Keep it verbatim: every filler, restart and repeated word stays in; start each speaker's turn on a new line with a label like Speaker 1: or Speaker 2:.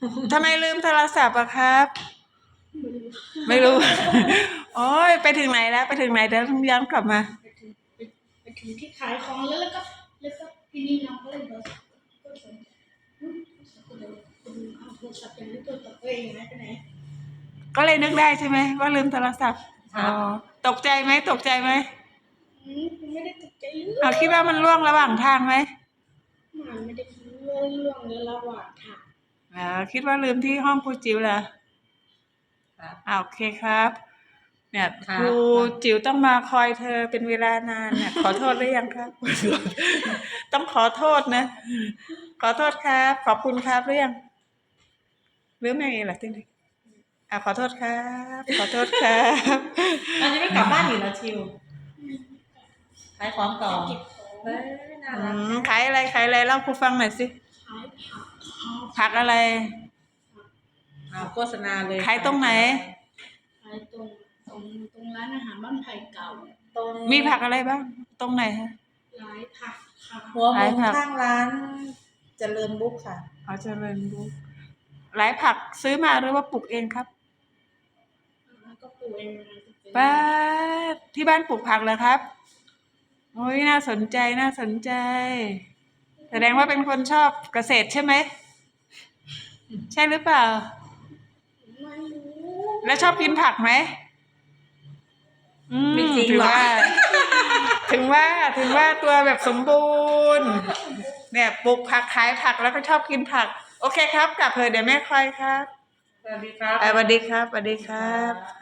Speaker 1: ทำไมลืมโทรศัพท์อะครับ ไม่รู้ โอ้ยไปถึงไหนแล้วไปถึงไหนเดี๋ยวย้อนกลับมา
Speaker 2: ไปถึงไปไปถึงที่ขายของแล้วแล้วก็แล้วก็ทีนี้น้องก็เลยบอกก็สนใจอืมก็เลยคุณเอาโทรศัพท์ยังไม่ตัวตัวเองนะไปไหน
Speaker 1: ก็เลยนึกได้ใช่ไหมว่าลืมโทรศัพท์อ๋อตกใจไหมตกใจไหม
Speaker 2: อืมไม่ได้ตกใจเรื่อ
Speaker 1: เอา
Speaker 2: ง
Speaker 1: คิดว่ามันล่วงระหว่างทางไหม
Speaker 2: มันไม่ได้เรื่องเรื่องในระหว่างทาง
Speaker 1: อ่าคิดว่าลืมที่ห้องครูจิ๋วเหรอ
Speaker 3: ครับ
Speaker 1: อ่าโอเคครับ เนี่ย
Speaker 3: ครับ
Speaker 1: ครูจิ๋วต้องมาคอยเธอเป็นเวลานานเนี่ย ขอโทษหรือยังครับ ต้องขอโทษนะ ขอโทษครับ ขอบคุณครับหรือยังหรือไม่เหรอที่นี่อ่าขอโทษครับ ขอโทษครับ
Speaker 3: อันนี้ไม่กลับบ้านอีกแล้วชิวขายของต่อ
Speaker 2: เก็บของ
Speaker 3: เฮ้ยน่า
Speaker 1: อื
Speaker 3: รัก
Speaker 1: มขายอะไรขายอะไรเล่าครูฟังหน่อยสิ
Speaker 2: ขายผักข้าว
Speaker 1: ผักอะไร
Speaker 3: เอาโฆษณาเลย
Speaker 1: ขายตรงไหน
Speaker 2: ขายตรงตรงตรงร้านอาหารบ้านไผ่เก่า
Speaker 3: ตรง
Speaker 1: มีผักอะไรบ้าง ตรงไหนฮะ
Speaker 2: ร้านผักค่ะ
Speaker 3: หัวมุ
Speaker 1: ขาย
Speaker 3: ม
Speaker 1: ผัก
Speaker 3: ข้างร้านเจริญบุ๊กค่ะ
Speaker 1: เขาเจริญบุ๊กหลายผักซื้อมาหรือว่าปลูกเองครับ
Speaker 2: แล้วก็ปลูกเองนะ
Speaker 1: ป้าดที่บ้านปลูกผักเหรอครับโอ้ยน่าสนใจน่าสนใจ แสดงว่าเป็นคนชอบเกษตรใช่ไหม ใช่หรือเปล่า
Speaker 2: ไม่รู้
Speaker 1: แล้วชอบกินผักไหมอืม
Speaker 3: ไม่จริง
Speaker 1: ถือ
Speaker 3: หรอ
Speaker 1: ว่า ถึงว่าถึงว่าตัวแบบสมบูรณ์เนี่ยปลูกผักขายผักแล้วก็ชอบกินผัก โอเคครับกลับเถอะเดี๋ยวแม่คอยครับ
Speaker 3: สวัสดีครับ
Speaker 1: อ่าสวัสดีครับสวัสดีครับ